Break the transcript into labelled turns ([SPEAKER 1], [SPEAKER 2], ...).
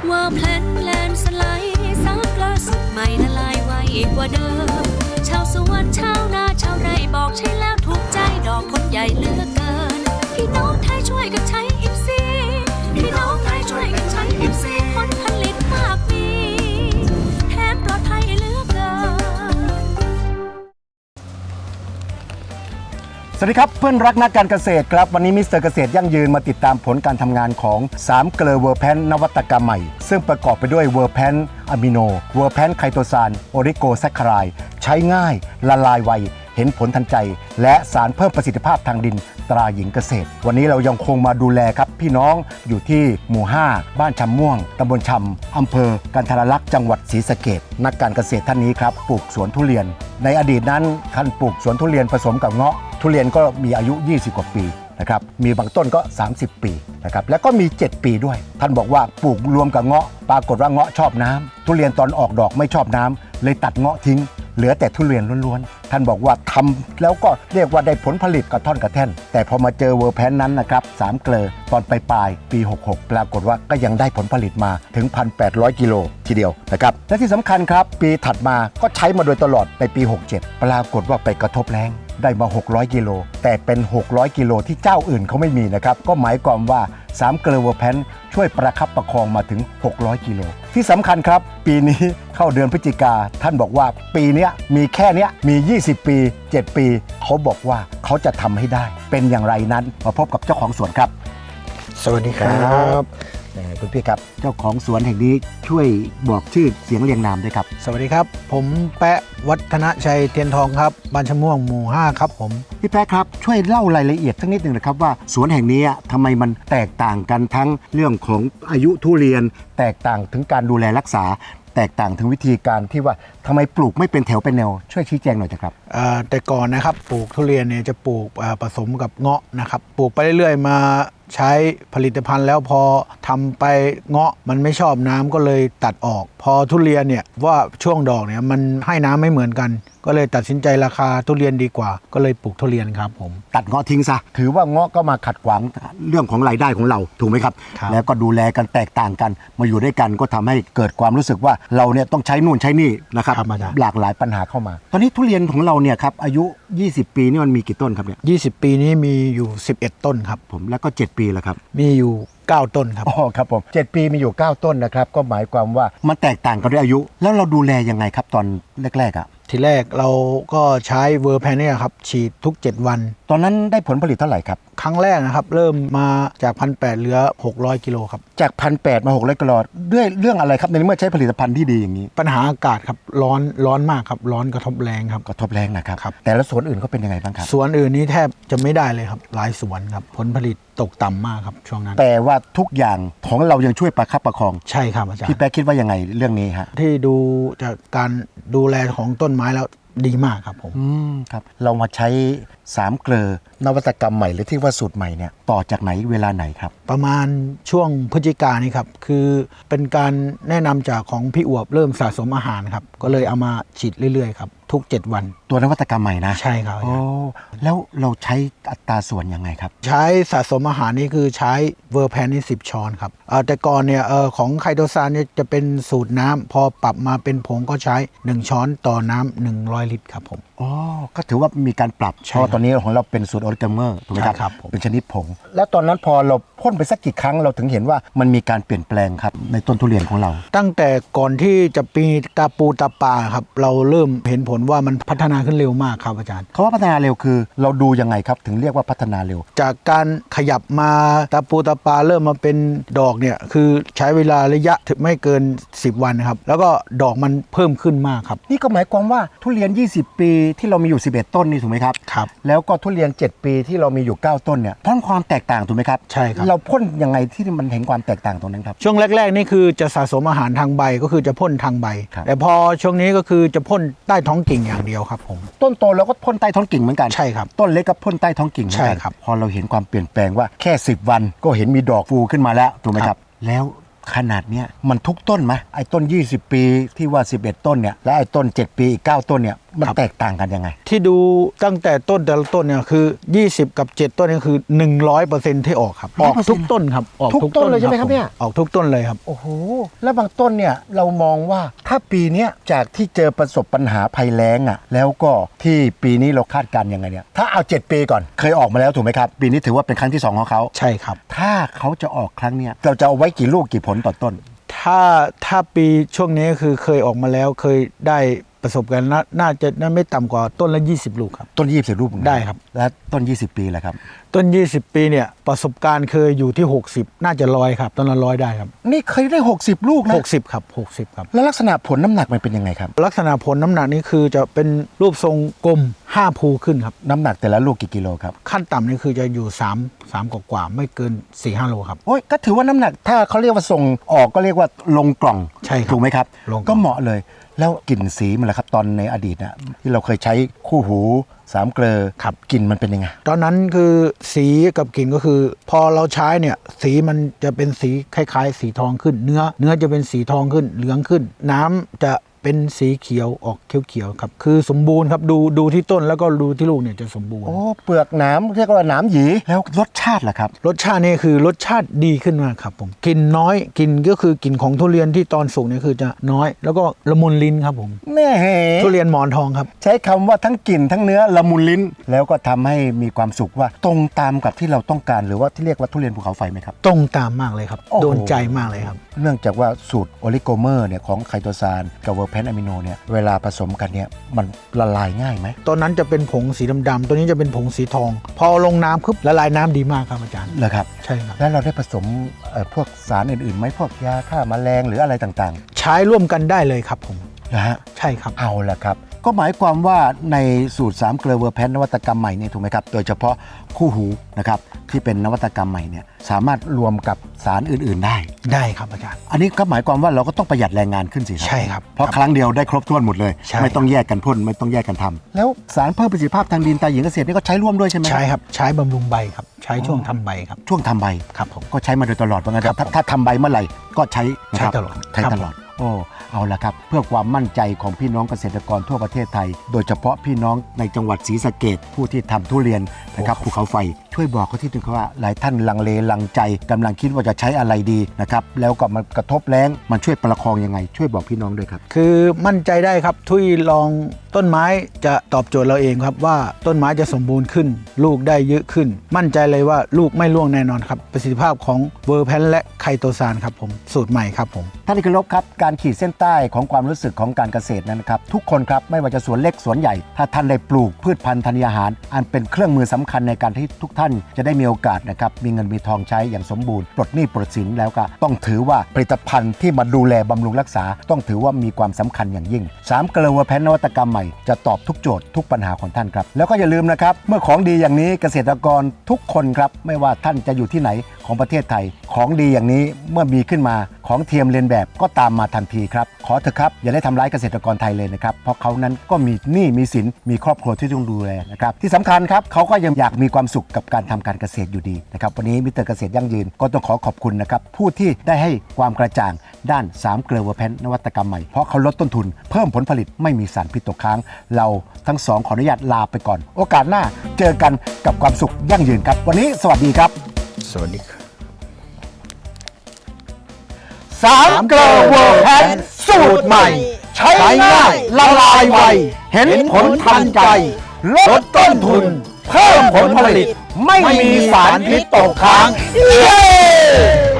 [SPEAKER 1] ว่าแพลนสไลด์ซักล่าสุดใหม่ละลายไวกว่าเดิมชาวสวนชาวนาชาวไร่บอกใช่แล้วถูกใจดอกคนใหญ่เหลือกเกินพี่น้องไทยช่วยกันใช้อิฟซีพี่น้องไทยช่วยกันใช้อิฟซีผลผลิตมากมีแถมปลอดภัยเหลือกเกิน
[SPEAKER 2] สวัสดีครับเพื่อนรักนักการเกษตรครับวันนี้มิสเตอร์เกษตรยั่งยืนมาติดตามผลการทำงานของ3เกลือเวอร์แพนนวัตกรรมใหม่ซึ่งประกอบไปด้วยเวอร์แพนอะมิโนเวอร์แพนไคโตซานโอริโกแซคคารายใช้ง่ายละลายไวเห็นผลทันใจและสารเพิ่มประสิทธิภาพทางดินตราหญิงเกษตรวันนี้เรายังคงมาดูแลครับพี่น้องอยู่ที่หมู่5บ้านชำม่วงตำบลชำอำเภอกันทรลักษณ์จังหวัดศรีสะเกษนักการเกษตรท่านนี้ครับปลูกสวนทุเรียนในอดีตนั้นท่านปลูกสวนทุเรียนผสมกับเงาะทุเรียนก็มีอายุ20กว่าปีนะครับมีบางต้นก็30ปีนะครับแล้วก็มี7ปีด้วยท่านบอกว่าปลูกรวมกับเงาะปรากฏว่าเงาะชอบน้ำทุเรียนตอนออกดอกไม่ชอบน้ำเลยตัดเงาะทิ้งเหลือแต่ทุเรียนล้วนๆท่านบอกว่าทำแล้วก็เรียกว่าได้ผลผลิตกระท่อนกระแท่นแต่พอมาเจอเวอร์แพนนั้นนะครับ3เกลอตอนปลายปี66ปรากฏว่าก็ยังได้ผลผลิตมาถึง 1,800 กิโลทีเดียวนะครับและที่สำคัญครับปีถัดมาก็ใช้มาโดยตลอดในปี67ปรากฏว่าไปกระทบแล้งได้มา600กิโลแต่เป็น600กิโลที่เจ้าอื่นเขาไม่มีนะครับก็หมายความว่า3เกลอเวอร์แพนช่วยประคับประคองมาถึง600กิโลที่สำคัญครับปีนี้เข้าเดือนพฤศจิกาท่านบอกว่าปีนี้มีแค่นี้มี20ปี7ปีเขาบอกว่าเขาจะทำให้ได้เป็นอย่างไรนั้นมาพบกับเจ้าของสวนครับ
[SPEAKER 3] สวัสดีครับ
[SPEAKER 2] คุณพี่ครับเจ้าของสวนแห่งนี้ช่วยบอกชื่อเสียงเรียงนามด้วยครับ
[SPEAKER 3] สวัสดีครับผมแปะวัฒนชัยเทียนทองครับบ้านชะม่วงหมู่5ครับผม
[SPEAKER 2] พี่แปะครับช่วยเล่ารายละเอียดสักนิดหนึ่งนะครับว่าสวนแห่งนี้ทำไมมันแตกต่างกันทั้งเรื่องของอายุทุเรียนแตกต่างถึงการดูแลรักษาแตกต่างถึงวิธีการที่ว่าทำไมปลูกไม่เป็นแถวเป็นแนวช่วยชี้แจงหน่อยครับ
[SPEAKER 3] แต่ก่อนนะครับปลูกทุเรียนเนี่ยจะปลูกผสมกับเงาะนะครับปลูกไปเรื่อยๆมาใช้ผลิตภัณฑ์แล้วพอทำไปเงาะมันไม่ชอบน้ำก็เลยตัดออกพอทุเรียนเนี่ยว่าช่วงดอกเนี่ยมันให้น้ำไม่เหมือนกันก็เลยตัดสินใจราคาทุเรียนดีกว่าก็เลยปลูกทุเรียนครับผม
[SPEAKER 2] ตัดเงาะทิ้งซะถือว่าเงาะก็มาขัดขวางเรื่องของรายได้ของเราถูกไหมครับแล้วก็ดูแลกันแตกต่างกันมาอยู่ด้วยกันก็ทำให้เกิดความรู้สึกว่าเราเนี่ยต้องใช้นู่นใช้นี่นะครับหลากหลายปัญหาเข้ามาตอนนี้ทุเรียนของเราเนี่ยครับอายุ20ปีนี่มันมีกี่ต้นครับเนี่ย
[SPEAKER 3] 20ปีนี้มีอยู่11ต้นครับ
[SPEAKER 2] ผมแล้วก็7ปีแล้วครับ
[SPEAKER 3] มีอยู่9ต้นครับ
[SPEAKER 2] อ๋อครับผม7ปีมีอยู่9ต้นนะครับก็หมายความว่ามันแตกต่างกันด้วยอายุแล้วเราดูแลยังไงครับตอนแรกๆ
[SPEAKER 3] ทีแรกเราก็ใช้เวอร์แพนเนี่ยครับฉีดทุก7วัน
[SPEAKER 2] ตอนนั้นได้ผลผลิตเท่าไหร่ครับ
[SPEAKER 3] ครั้งแรกนะครับเริ่มมาจาก 1,800 เหลือ600กิโลครับ
[SPEAKER 2] จาก 1,800 มา600กิโลด้วยเรื่องอะไรครับในเมื่อใช้ผลิตภัณฑ์ที่ดีอย่างนี้
[SPEAKER 3] ปัญหาอากาศครับร้อนมากครับร้อนกระทบแรงครับ
[SPEAKER 2] กระทบแรงนะครับแต่ละสวนอื่นก็เป็นยังไงบ้างครับ
[SPEAKER 3] สวนอื่นนี้แทบจะไม่ได้เลยครับหลายสวนครับผลผลิตตกต่ำมากครับช่วงนั้น
[SPEAKER 2] แต่ว่าทุกอย่างของเรายังช่วยประคับประคอง
[SPEAKER 3] ใช่ครับอาจารย์
[SPEAKER 2] พี่แป๊ะคิดว่ายังไงเรื่องนี้ฮะ
[SPEAKER 3] ที่ดูจากการดูแลของต้นไม้แล้วดีมากครับผม
[SPEAKER 2] ครับเรามาใช้3เกลอนวัตกรรมใหม่หรือที่ว่าสูตรใหม่เนี่ยต่อจากไหนเวลาไหนครับ
[SPEAKER 3] ประมาณช่วงพฤศจิกายนนี่ครับคือเป็นการแนะนำจากของพี่อวบเริ่มสะสมอาหารครับก็เลยเอามาฉีดเรื่อยๆครับทุก7วัน
[SPEAKER 2] ตัวนวัตกรรมใหม่นะ
[SPEAKER 3] ใช่ครับ
[SPEAKER 2] โอ้แล้วเราใช้อัตราส่วนยังไงครับ
[SPEAKER 3] ใช้สะสมอาหารนี่คือใช้เวอร์แพนนี่10ช้อนครับแต่ก่อนเนี่ยของไคโตซานเนี่ยจะเป็นสูตรน้ำพอปรับมาเป็นผงก็ใช้1ช้อนต่อน้ำ100ลิตรครับผม
[SPEAKER 2] อ๋อก็ถือว่ามีการปรับเพราะตอนนี้ของเราเป็นสูตรออริกาเมอร์ถูกไหมครับเป็นชนิดผงแล้วตอนนั้นพอเราพ่นไปสักกี่ครั้งเราถึงเห็นว่ามันมีการเปลี่ยนแปลงครับในต้นทุเรียนของเรา
[SPEAKER 3] ตั้งแต่ก่อนที่จะปีตาปูตาปาครับเราเริ่มเห็นผลว่ามันพัฒนาขึ้นเร็วมากครับอาจารย์
[SPEAKER 2] เขาว่าพัฒนาเร็วคือเราดูยังไงครับถึงเรียกว่าพัฒนาเร็ว
[SPEAKER 3] จากการขยับมาตาปูตาปาเริ่มมาเป็นดอกเนี่ยคือใช้เวลาระยะถึงไม่เกิน10วันครับแล้วก็ดอกมันเพิ่มขึ้นมากครับ
[SPEAKER 2] นี่ก็หมายความว่าทุเรียน20ปีที่เรามีอยู่11ต้นนี่ถูกไหมครับ
[SPEAKER 3] ครับ
[SPEAKER 2] แล้วก็ทุเรียน7ปีที่เรามีอยู่9ต้นเนี่ยพ่นความแตกต่างถูกไหมครับ
[SPEAKER 3] ใช่ครับ
[SPEAKER 2] เราพ่นยังไงที่มันเห็นความแตกต่างตรงนั้นครับ
[SPEAKER 3] ช่วงแรกๆนี่คือจะสะสมอาหารทางใบก็คือจะพ่นทางใบแต่พอช่วงนี้ก็คือจะพ่นใต้ท้องกิ่งอย่างเดียวครับผม
[SPEAKER 2] ต้นโตเราก็พ่นใต้ท้องกิ่งเหมือนกัน
[SPEAKER 3] ใช่ครับ
[SPEAKER 2] ต้นเล็กก็พ่นใต้ท้องกิ่ง
[SPEAKER 3] ใช่ครับ
[SPEAKER 2] พอเราเห็นความเปลี่ยนแปลงว่าแค่10วันก็เห็นมีดอกฟูขึ้นมาแล้วถูกไหมครับแล้วขนาดเนี้ยมันทุกต้นไหมไอ้ต้น20ปีที่ว่า11ต้นเนี่ยและไอ้ต้น7ปีอีก9ต้นเนี่ยมันแตกต่างกันยังไง
[SPEAKER 3] ที่ดูตั้งแต่ต้นแต่ละต้นเนี่ยคือ20กับ7ต้นนี่คือ 100% ที่ออกครับออกทุกต้นครับออกทุกต้นเลยใช่ไหมครับเนี่ยออกทุกต้นเลยครับ
[SPEAKER 2] โอ้โหแล้วบางต้นเนี่ยเรามองว่าถ้าปีนี้จากที่เจอประสบปัญหาภัยแล้งอ่ะแล้วก็ที่ปีนี้เราคาดการณ์ยังไงเนี่ยถ้าเอา7ปีก่อนเคยออกมาแล้วถูกไหมครับปีนี้ถือว่าเป็นครั้งที่2ของเขา
[SPEAKER 3] ใช่ครับ
[SPEAKER 2] ถ้าเขาจะออกครั้งเนี้ยเราจะเอาไว้กี่ลูกกี่ผลต่อต้น
[SPEAKER 3] ถ้าปีช่วงนี้คือเคยออกมาแล้วเคยได้ประสบการณ์น่าจะไม่ต่ำกว่าต้นละ20ลูกครับ
[SPEAKER 2] ต้น20ลูก
[SPEAKER 3] ได้ครับ
[SPEAKER 2] และต้น20ปีแหละครับ
[SPEAKER 3] ต้น20ปีเนี่ยประสบการณ์เคยอยู่ที่60น่าจะ100ครับต้นละ100ได้ครับ
[SPEAKER 2] นี่เคยได้60ลูกนะ
[SPEAKER 3] 60ครับ60ครับ
[SPEAKER 2] แล้วลักษณะผลน้ำหนักมันเป็นยังไงครับ
[SPEAKER 3] ลักษณะผลน้ำหนักนี่คือจะเป็นรูปทรงกลม5ภูขึ้นครับ
[SPEAKER 2] น้ำหนักแต่ละลูกกี่กิโลครับ
[SPEAKER 3] ขั้นต่ำนี่คือจะอยู่3กว่าไม่เกิน 4-5 โลครับ
[SPEAKER 2] โอ้ยก็ถือว่าน้ำหนักถ้าเขาเรียกว่าส่งออกก็เรียกว่าลงกล่อง
[SPEAKER 3] ใช่
[SPEAKER 2] ถูกไหมครับก็เหมาะเลยแล้วกลิ่นสีมันล่ะครับตอนในอดีตนะที่เราเคยใช้คู่หู3เกลอ
[SPEAKER 3] ครับ
[SPEAKER 2] กลิ่นมันเป็นยังไง
[SPEAKER 3] ตอนนั้นคือสีกับกลิ่นก็คือพอเราใช้เนี่ยสีมันจะเป็นสีคล้ายๆสีทองขึ้นเนื้อจะเป็นสีทองขึ้นเหลืองขึ้นน้ำจะเป็นสีเขียวออกเขียวๆครับคือสมบูรณ์ครับดูที่ต้นแล้วก็ดูที่ลูกเนี่ยจะสมบูรณ์
[SPEAKER 2] โอ้เปลือกหนามเรียกว่าหนามหยีแล้วรสชาติล่ะครับ
[SPEAKER 3] รสชาตินี่คือรสชาติดีขึ้นมากครับผมกลิ่นน้อยกลิ่นก็คือกลิ่นของทุเรียนที่ตอนสุกเนี่ยคือจะน้อยแล้วก็ละมุนลิ้นครับผม
[SPEAKER 2] แน่
[SPEAKER 3] ทุเรียนหมอนทองครับ
[SPEAKER 2] ใช้คำว่าทั้งกลิ่นทั้งเนื้อละมุนลิ้นแล้วก็ทำให้มีความสุขว่าตรงตามกับที่เราต้องการหรือว่าที่เรียกว่าทุเรียนภูเขาไฟไหมครับ
[SPEAKER 3] ตรงตามมากเลยครับโดนใจมากเลยครับ
[SPEAKER 2] เนื่องจากว่าสูตรโอลิโกเมอร์เนี่ยของไคโตซานกับเวอร์แพนอะมิโนเนี่ยเวลาผสมกันเนี่ยมันละลายง่ายไหม
[SPEAKER 3] ตอนนั้นจะเป็นผงสีดำๆตัวนี้จะเป็นผงสีทองพอลงน้ำปุ๊บละลายน้ำดีมากครับอาจารย์
[SPEAKER 2] เหรอครับ
[SPEAKER 3] ใช่ครับ
[SPEAKER 2] แล้วเราได้ผสมพวกสารอื่นๆไหมพวกยาฆ่าแมลงหรืออะไรต่าง
[SPEAKER 3] ๆใช้ร่วมกันได้เลยครับผม
[SPEAKER 2] นะฮะ
[SPEAKER 3] ใช่ครับ
[SPEAKER 2] เอาละครับก็หมายความว่าในสูตร3เกลอเวอร์แพนนวัตกรรมใหม่เนี่ยถูกไหมครับโดยเฉพาะคู่หูนะครับที่เป็นนวัตกรรมใหม่เนี่ยสามารถรวมกับสารอื่นๆ
[SPEAKER 3] ได้ครับอาจารย์
[SPEAKER 2] อันนี้ก็หมายความว่าเราก็ต้องประหยัดแรงงานขึ้นสิ
[SPEAKER 3] ใช่ครับ
[SPEAKER 2] เพราะครั้งเดียวได้ครบถ้วนหมดเลยไม่ต้องแยกกันพ่นไม่ต้องแยกกันทำแล้วสารเพิ่มประสิทธิภาพทางดินตาหญิงเกษตรนี่ก็ใช้ร่วมด้วยใช่ไหม
[SPEAKER 3] ใช่ครับใช้บำรุงใบครับใช้ช่วงทำใบครับ
[SPEAKER 2] ช่วงทำใบ
[SPEAKER 3] ครับผม
[SPEAKER 2] ก็ใช้มาโดยตลอดว่างั้นถ้าทำใบเมื่อไหร่ก็ใช้
[SPEAKER 3] ตลอด
[SPEAKER 2] ใช้ตลอดโอ้เอาละครับเพื่อความมั่นใจของพี่น้องเกษตรกรทั่วประเทศไทยโดยเฉพาะพี่น้องในจังหวัดศรีสะเกษผู้ที่ทำทุเรียนนะครับภูเขาไฟช่วยบอกเขาที่นึงว่าหลายท่านลังเลลังใจกำลังคิดว่าจะใช้อะไรดีนะครับแล้วก็มันกระทบแล้งมันช่วยประคองยังไงช่วยบอกพี่น้องด้วยครับ
[SPEAKER 3] คือมั่นใจได้ครับทุยลองต้นไม้จะตอบโจทย์เราเองครับว่าต้นไม้จะสมบูรณ์ขึ้นลูกได้เยอะขึ้นมั่นใจเลยว่าลูกไม่ร่วงแน่นอนครับประสิทธิภาพของเวอร์แพนและไคโตซานครับผมสูตรใหม่ครับผม
[SPEAKER 2] ท่านที่เคารพครับการขีดเส้นใต้ของความรู้สึกของการเกษตรนั้นนะครับทุกคนครับไม่ว่าจะสวนเล็กสวนใหญ่ถ้าท่านได้ปลูกพืชพันธุ์ธัญญาหารอันเป็นเครื่องมือสำคัญในการที่ทุกท่านจะได้มีโอกาสนะครับมีเงินมีทองใช้อย่างสมบูรณ์ปลดหนี้ปลดสินแล้วก็ต้องถือว่าผลิตภัณฑ์ที่มาดูแลบำรุงรักษาต้องถือว่ามีความสำคัญอย่างยิ่ง3เกลอเวอร์แพนนวัตกรรมใหม่จะตอบทุกโจทย์ทุกปัญหาของท่านครับแล้วก็อย่าลืมนะครับเมื่อของดีอย่างนี้เกษตรกรทุกคนครับไม่ว่าท่านจะอยู่ที่ไหนของประเทศไทยของดีอย่างนี้เมื่อมีขึ้นมาของเทียมเลียนแบบก็ตามมาทันทีครับขอเถอะครับอย่าได้ทำร้ายเกษตรกรไทยเลยนะครับเพราะเขานั้นก็มีหนี้มีสินมีครอบครัวที่ต้องดูแลนะครับที่สำคัญครับเขาก็ยังอยากมีความสุขกับการทำการเกษตรอยู่ดีนะครับวันนี้มิสเตอร์เกษตรยั่งยืนก็ต้องขอบคุณนะครับผู้ที่ได้ให้ความกระจ่างด้าน3เกลอเวอร์แพนนวัตกรรมใหม่เพราะเขาลดต้นทุนเพิ่มผลผลิตไม่มีสารพิษตกค้างเราทั้งสองขออนุญาตลาไปก่อนโอกาสหน้าเจอกันกับความสุขยั่งยืนครับวันนี้สวัสดีครับ
[SPEAKER 3] สวัสดีครับ
[SPEAKER 2] 3เกลอเวอร์แพนสูตรใหม่ใช้ง่ายละลายไวเห็นผลทันใจลดต้นทุนเพิ่มผลผลิตไม่มีสารพิษตกค้างเย้